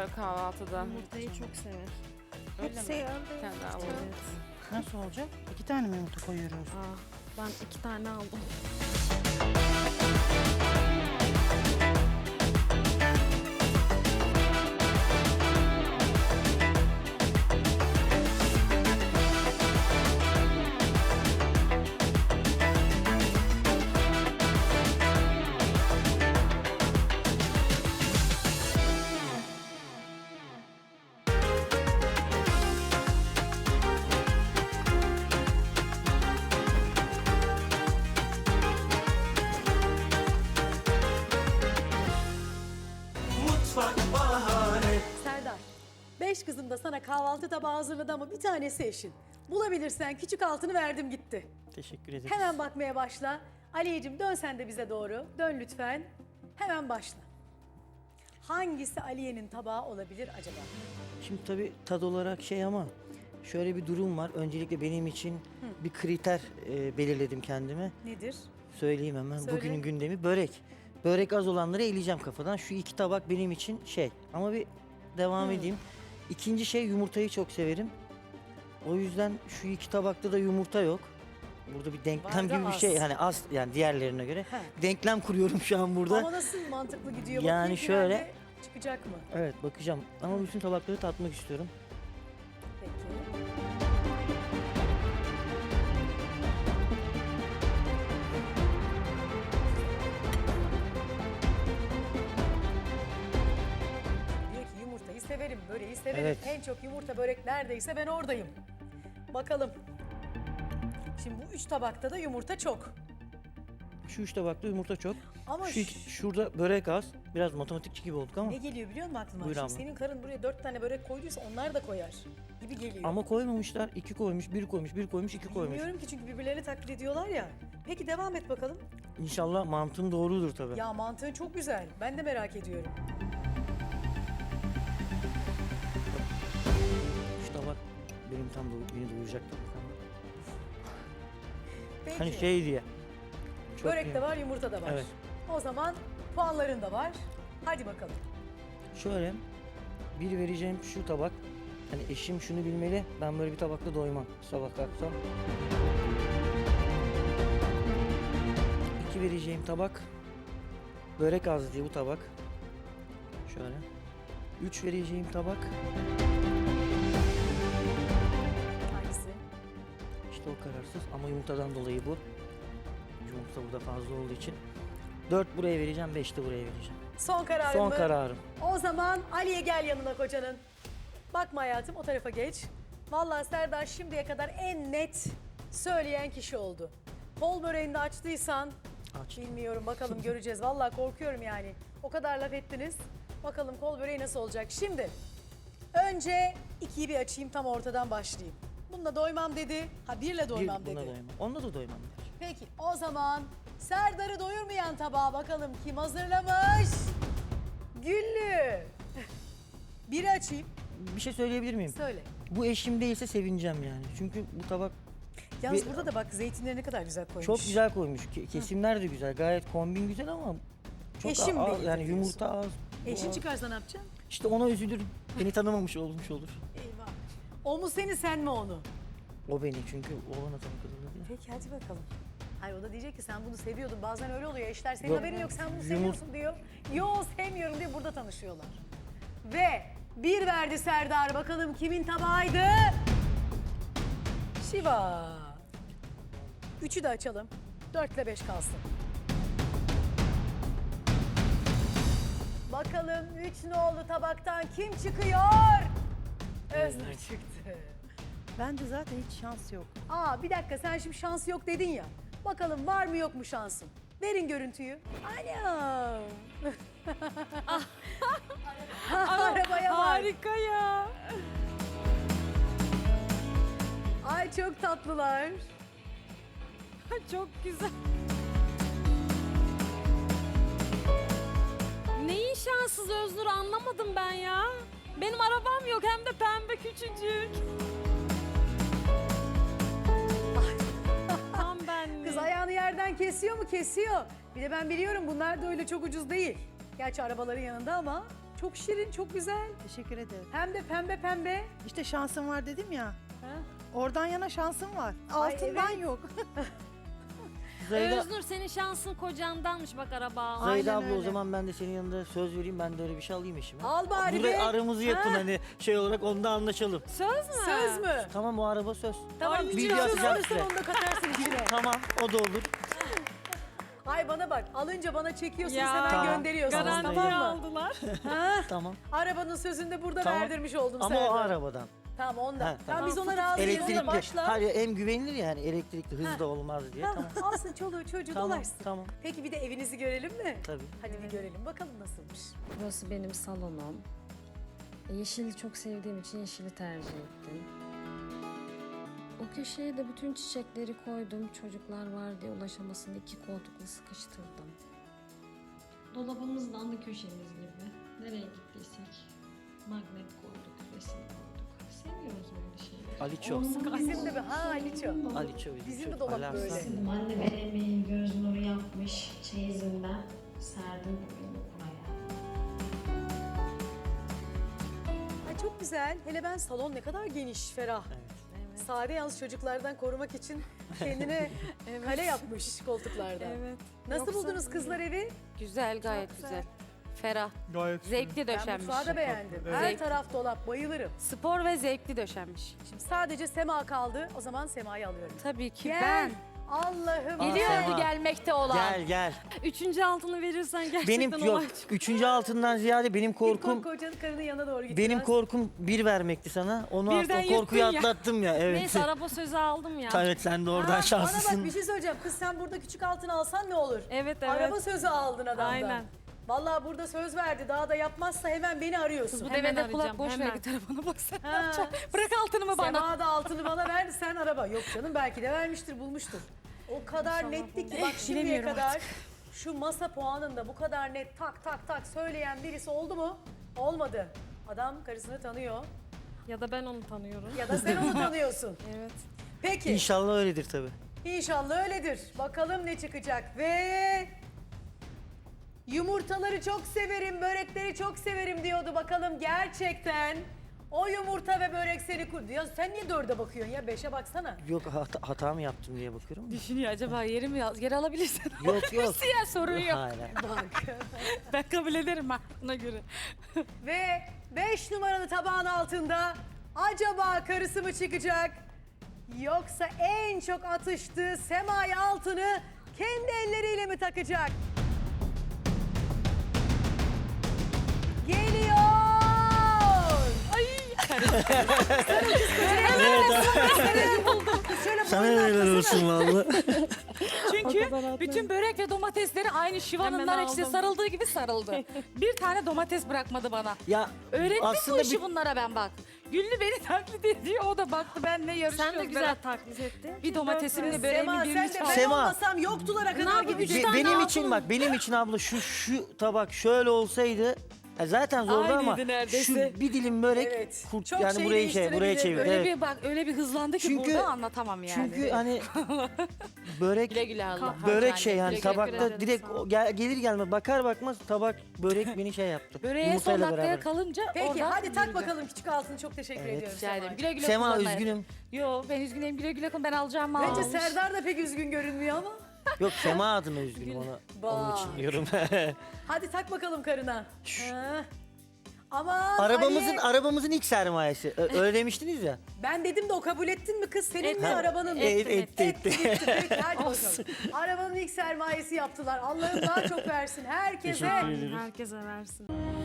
sever kahvaltıda. Yumurtayı çok sever. Öyle mi? Bir tane daha alalım. Evet. Nasıl olacak? 2 tane mi yumurta koyuyoruz? Ben 2 tane aldım. Serdar, 5 kızım da sana kahvaltı tabağı hazırladı ama bir tanesi eşin. Bulabilirsen küçük altını verdim gitti. Teşekkür ederim. Hemen bakmaya başla. Aliyeciğim dön sen de bize doğru. Dön lütfen. Hemen başla. Hangisi Aliye'nin tabağı olabilir acaba? Şimdi tabii tad olarak şey ama şöyle bir durum var. Öncelikle benim için bir kriter belirledim kendime. Nedir? Söyleyeyim hemen. Söyle. Bugünün gündemi börek. Börek az olanları eleyeceğim kafadan. Şu 2 tabak benim için şey. Ama bir devam edeyim. İkinci şey, yumurtayı çok severim. O yüzden şu 2 tabakta da yumurta yok. Burada bir denklem Var da gibi bir az. şey. Hani az yani diğerlerine göre. He. Denklem kuruyorum şu an burada. Ama nasıl mantıklı gidiyor? Yani Bakayım şöyle- finalde çıkacak mı? Evet, bakacağım. Ama bütün tabakları tatmak istiyorum. Peki. Diyor ki yumurtayı severim, böreği severim. Evet. En çok yumurta börek neredeyse ben oradayım. Bakalım. Şimdi bu 3 tabakta da yumurta çok. Şu 3 tabakta yumurta çok. Ama Şurada börek az. Biraz matematikçi gibi olduk ama. ne geliyor biliyor musun aklıma? Buyur Şimdi abla. senin karın buraya 4 tane börek koyduysa onlar da koyar gibi geliyor. Ama koymamışlar. 2 koymuş, 1 koymuş, 1 koymuş, 2 koymuş. Bilmiyorum ki çünkü birbirlerini taklit ediyorlar ya. Peki devam et bakalım. İnşallah mantığım doğrudur tabii. Ya mantığın çok güzel. Ben de merak ediyorum. Şu tabak benim tam beni doyuracak tabak ama. Peki. Hani şey diye. Çok Börek iyi. de var, yumurta da var. Evet. O zaman puanların da var. Hadi bakalım. Şöyle bir vereceğim şu tabak. Hani eşim şunu bilmeli. Ben böyle bir tabakla doymam. Sabah kalksam. 2 vereceğim tabak. Börek az diye bu tabak. Şöyle. 3 vereceğim tabak. Hangisi? İşte o kararsız ama yumurtadan dolayı bu. Yumurta burada fazla olduğu için. 4 buraya vereceğim, 5 de buraya vereceğim. Son kararın Son mı? kararım. O zaman Ali'ye gel yanına kocanın. Bakma hayatım o tarafa geç. Vallahi Serdar şimdiye kadar en net söyleyen kişi oldu. Kol böreğini de açtıysan Aç. bilmiyorum bakalım göreceğiz. Vallahi korkuyorum yani. O kadar laf ettiniz. Bakalım kol böreği nasıl olacak. Şimdi önce 2'yi bir açayım tam ortadan başlayayım. Bununla doymam dedi. Ha birle doymam Buna dedi. doymam. Onunla da doymam der. Peki o zaman Serdar'ı doyurmayan tabağa bakalım kim hazırlamış? Güllü. Biri açayım. Bir şey söyleyebilir miyim? Söyle. Bu eşim değilse sevineceğim yani. Çünkü bu tabak Yalnız Bir- burada da bak zeytinleri ne kadar güzel koymuş. çok güzel koymuş. Kesimler de güzel. Gayet kombin güzel ama çok Eşim az, değil yani diyorsun. yumurta az. bu Eşin az. çıkarsa ne yapacaksın? İşte ona üzülürüm. Beni tanımamış olmuş olur. Eyvah. O mu seni sen mi onu? O beni çünkü oğlana tanık kızılır ya. Peki hadi bakalım. Hayır o da diyecek ki sen bunu seviyordun. Bazen öyle oluyor eşler senin Yok. haberin yok sen bunu Yumur- seviyorsun diyor. Yo sevmiyorum diye burada tanışıyorlar. Ve bir verdi Serdar bakalım kimin tabağıydı? Şiva. 3'ü de açalım. 4 ile 5 kalsın. Bakalım 3 nolu tabaktan kim çıkıyor? Öznur çıktı. Bence zaten hiç şans yok. Aa bir dakika sen şimdi şans yok dedin ya. Bakalım var mı yok mu şansın? Verin görüntüyü. Anam. Arabaya bak. Harika ya. Ay çok tatlılar. Çok güzel. Neyin şanssız Öznur anlamadım ben ya. Benim arabam yok hem de pembe küçücük. Tam benlik. Kız ayağını yerden kesiyor mu? Kesiyor. Bir de ben biliyorum bunlar da öyle çok ucuz değil. Gerçi arabaların yanında ama Çok şirin, çok güzel. Teşekkür ederim. Hem de pembe pembe. İşte şansım var dedim ya. Ha? Oradan yana şansım var. Ay, Altından evet. yok. Zahide, Öznur senin şansın kocandanmış bak araba almış. Zahide Aynen abla o öyle. zaman ben de senin yanında söz vereyim. Ben de öyle bir şey alayım eşime. Al bari Burada be. aramızı yapın Ha. hani şey olarak onda anlaşalım. Söz mü? Söz mü? Tamam o araba söz. Tamam, Ay, küçük bilgi söz atacağım alırsan size. onu da katarsın içine. Tamam o da olur. Ay bana bak, alınca bana çekiyorsunuz Ya. hemen Tamam. gönderiyorsunuz, Garantiye tamam mı? aldılar. Ha? Tamam. Arabanın sözünü de burada Tamam. verdirmiş oldun Ama Serdar. o arabadan. Tamam ondan. Ha, tamam. tamam. Biz ona razıyız. Ona Elektrikli. başla. Hayır hem güvenilir yani elektrikli hız da olmaz diye. Tamam. Tamam. Alsın çoluğu çocuğu Tamam. dolaşsın. Tamam. Peki bir de evinizi görelim mi? Tabii. Hadi bir görelim bakalım nasılmış. Burası benim salonum. Yeşili çok sevdiğim için yeşili tercih ettim. O köşeye de bütün çiçekleri koydum. Çocuklar var diye ulaşamasın 2 koltukla sıkıştırdım. Dolabımız da ana köşemiz gibi. Nereye gittiysek magnet koyduk, resim koyduk. Seviyoruz böyle şeyleri. Aliço. Bizim de bir ha Aliço. Aliço. Bizim de dolap Alarm. böyle. Anne benim emeğim göz nuru yapmış. Çeyizinden serdim bugün buraya. Ay çok güzel. Hele ben salon ne kadar geniş, ferah. Sade yalnız çocuklardan korumak için kendine kale yapmış koltuklarda. Evet. Nasıl Yoksa- buldunuz kızlar evi? Güzel gayet güzel. güzel. Ferah. Gayet Zevkli Ben döşenmiş. mutfağı da beğendim. Her Zevkli. taraf dolap, bayılırım. Spor ve zevkli döşenmiş. Şimdi sadece Sema kaldı. O zaman Sema'yı alıyorum. Tabii ki Gel. ben. Allah'ım. Aa, Geliyordu Sema. gelmekte olan. Gel gel. Üçüncü altını verirsen gerçekten Benim yok. olay çıkıyor. Üçüncü altından ziyade benim korkum Kocanın karının yanına doğru git. benim biraz. korkum bir vermekti sana. Onu Birden aslında korkuyu yırttın ya. atlattım ya. Evet. Neyse araba sözü aldım ya. Evet sen de oradan Ha, Bana bak şanslısın. bir şey söyleyeceğim. Kız sen burada küçük altın alsan ne olur? Evet evet. Araba sözü aldın adamdan. Aynen. Vallahi burada söz verdi. Daha da yapmazsa hemen beni arıyorsun. Bu Hemen devede kulak arayacağım, boş ver hemen. bir telefona bak sen ne Ha. yapacaksın? Bırak altınımı bana. Sema da altını bana verdi, sen araba. Yok canım belki de vermiştir, bulmuştur. O kadar netti ki bak şimdiye Bilemiyorum kadar şu masa puanında bu kadar net tak tak tak söyleyen birisi oldu mu? Olmadı. Adam karısını tanıyor Ya da ben onu tanıyorum. ya da sen onu tanıyorsun. Evet. Peki İnşallah öyledir tabii. inşallah öyledir. Bakalım ne çıkacak ve... Yumurtaları çok severim, börekleri çok severim diyordu. Bakalım gerçekten o yumurta ve börek seni kurdu. Ya sen niye 4'e bakıyorsun ya? 5'e baksana. Yok hata mı yaptım diye bakıyorum. Düşünüyor acaba yeri mi geri alabilirsin? Yok yok. Ya sorun yok. Hayır. Bak. Ben kabul ederim ha ona göre. Ve 5 numaralı tabağın altında acaba karısı mı çıkacak? Yoksa en çok atıştığı Sema'ya altını kendi elleriyle mi takacak? Geliyor! Şöyle Sana boynuna neler atlasana. olsun valla. Çünkü bütün börek ve domatesleri aynı Şiva'nın Hemen nar ekşisi aldım. sarıldığı gibi sarıldı. Bir tane domates bırakmadı bana. Ya Öğrettim bu aslında işi bunlara ben bak. Güllü beni taklit ediyor o da baktı benle yarışıyoruz. Sen de güzel taklit ettin. Bir domatesimle Sema böreğimin sen birini de çaldı. ben Sema. olmasam yoktulara kadar yapayım, gidecek. üç tane benim altın için mı? bak benim için abla şu tabak şöyle olsaydı zaten zordu ama Aynıydı neredeyse. şu bir dilim börek Evet. kurt Çok yani şey buraya buraya çevir. Öyle Evet. bir bak öyle bir hızlandı ki Çünkü- burada anlatamam yani. Çünkü hani börek güle güle Allah. börek şey yani Güle güle tabakta ederim, direkt sağ ol. gelir gelmez bakar bakmaz tabak börek beni şey yaptı. Böreğe son Yumurtayla dakikaya beraber. kalınca Peki oradan hadi tak yürüyeceğim. bakalım küçük altın. Çok teşekkür Evet. ediyorum Rica ederim. Sema'ya. Güle güle Sema kullanın. üzgünüm. Yo ben üzgünüm güle güle kullan ben alacağımı Bence almış. Serdar da pek üzgün görünmüyor ama. Yok Sema adına üzgünüm ona. Onun Bak. için diyorum. Hadi tak bakalım karına. Ha. Aman arabamızın Ali, arabamızın ilk sermayesi. Öyle demiştiniz ya. ben dedim de o kabul ettin mi kız? Senin mi Ha, arabanın mı? etti. Gitti. Peki hadi bakalım. Arabanın ilk sermayesi yaptılar. Allah'ım daha çok versin herkese. Teşekkür ederim. Herkese versin.